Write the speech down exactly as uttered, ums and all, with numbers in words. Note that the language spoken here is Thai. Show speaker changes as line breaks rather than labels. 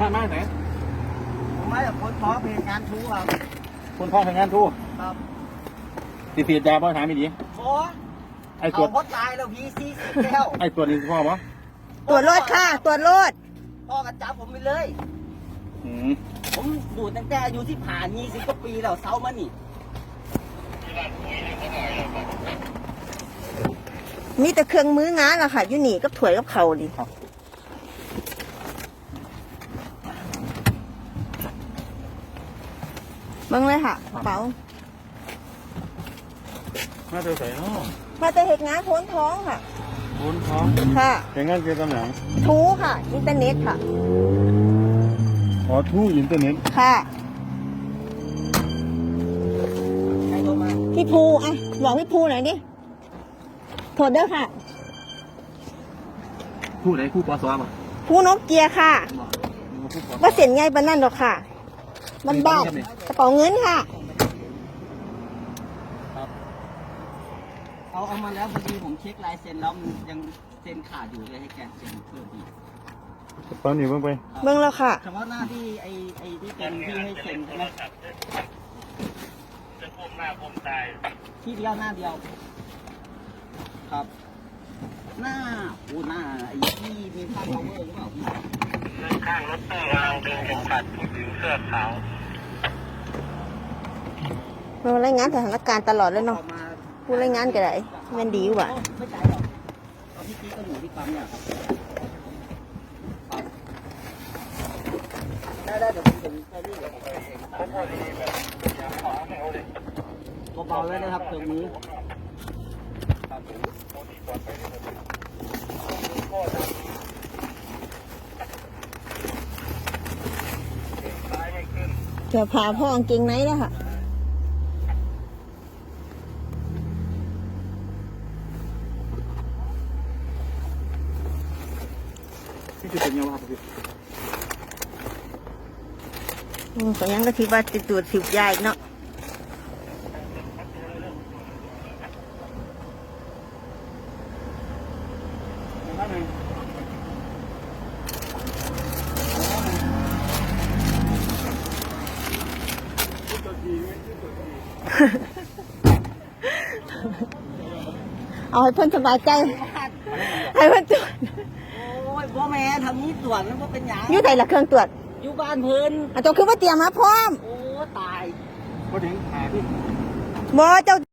มามาไหน
ผมมาจากคนท้องเพลงงานทูครับ
คนท้องทำงานทู
ครับ
ติดเสียยาบ่ถามไม่ดี
โอ้ไอ้ตัวบดตายแล้วพี่ซีสิแก้ว
ไอ้ตัวนี้พ่อปะ
ตรวจรถค่ะตรวจรถ
พ่อกันจับผมไปเลย
อืม
ผมดูตั้งแต่อายุที่ผ่านยี่สิบกว่าปีแล้วเซามานี่
มีแต่เครื่องมืองานอะค่ะอยู่นี่ก็ถวยกับเขาดิเบิ่งเลยค่ะเป๋า
มาเจอใส่เนาะ
มาแต่เหตุงานโพ้นท้องค่ะ
โพ้นท้อง
ค่ะ
เหตุงานเกี่ยวกับหนัง
ทูค่ะอินเทอร์เน็ตค่ะ
อ๋อทูอินเทอร์เน็ต
ค่ะ
ใครโทรมา
พี่ภูอ่ะบอกพี่ภูหน่อยดิโทษเด้อค่ะ
ผู้ไหนผู้ปอสวะ
ภูนกเกียร์ค่ะว่าเสียนไงบ้านนั่นหรอกค่ะบ้านบ้านกระเป๋าเงินค่ะ
เอาเอามาแล้วพอดีผมเช็คลายเซ็นแล้วมันยังเซ็นขาดอยู่เลยให้แกเซ็นเพิ่มอีก
ตอนนี้เบิ่งไป
เบิ่งแล้วค่ะ
เฉพาะหน้าที่ไอ้ไอ้ที่เป็นที่ให้เซ็นใช่ไหมจะพุ่มหน้าพุ่มตายที่เดียวหน้าเดียวครับหน้าโอ้หน้าไอ้ที่มีภาพ power หรือเปล่าพี่
ข้างรถตู้กำลังดึงเข็มขัดผู้หญิงเสื้อขาว
เรารายงานสถานการณ์ตลอดเลยเนาะผู้รายงานก็ได้มันดีกว่า
ไม่ใจหรอกตอนที่กี้ก็อยู่ที่ปั๊มเนี่ยครับได้ได้เดี๋ยวผมถึงไปรีบเบาๆเลยนะครับตรงนี้
เดี๋ยวพาพ่อกางเกงไหนแล้วค่ะ
ที่จะเป็นยังไงครับพี่
อืมก็ยังก็ที่ว่าติดตัวสิบยายเนาะเอาให้เพื่อนสบายใจให้เพื่อนตรวจ
โอ้ยพ่อแม่ทำนี้ตรวจแล้วก็เป็นยัง
อยู่ไหนล่ะเครื่องตรวจ
อยู่บ้านเพิ่น
อ่ะตัวคือว่าเตรียมมาพร้อม
โอ้ตาย
พอถึงหาพี่
บ่เจ้า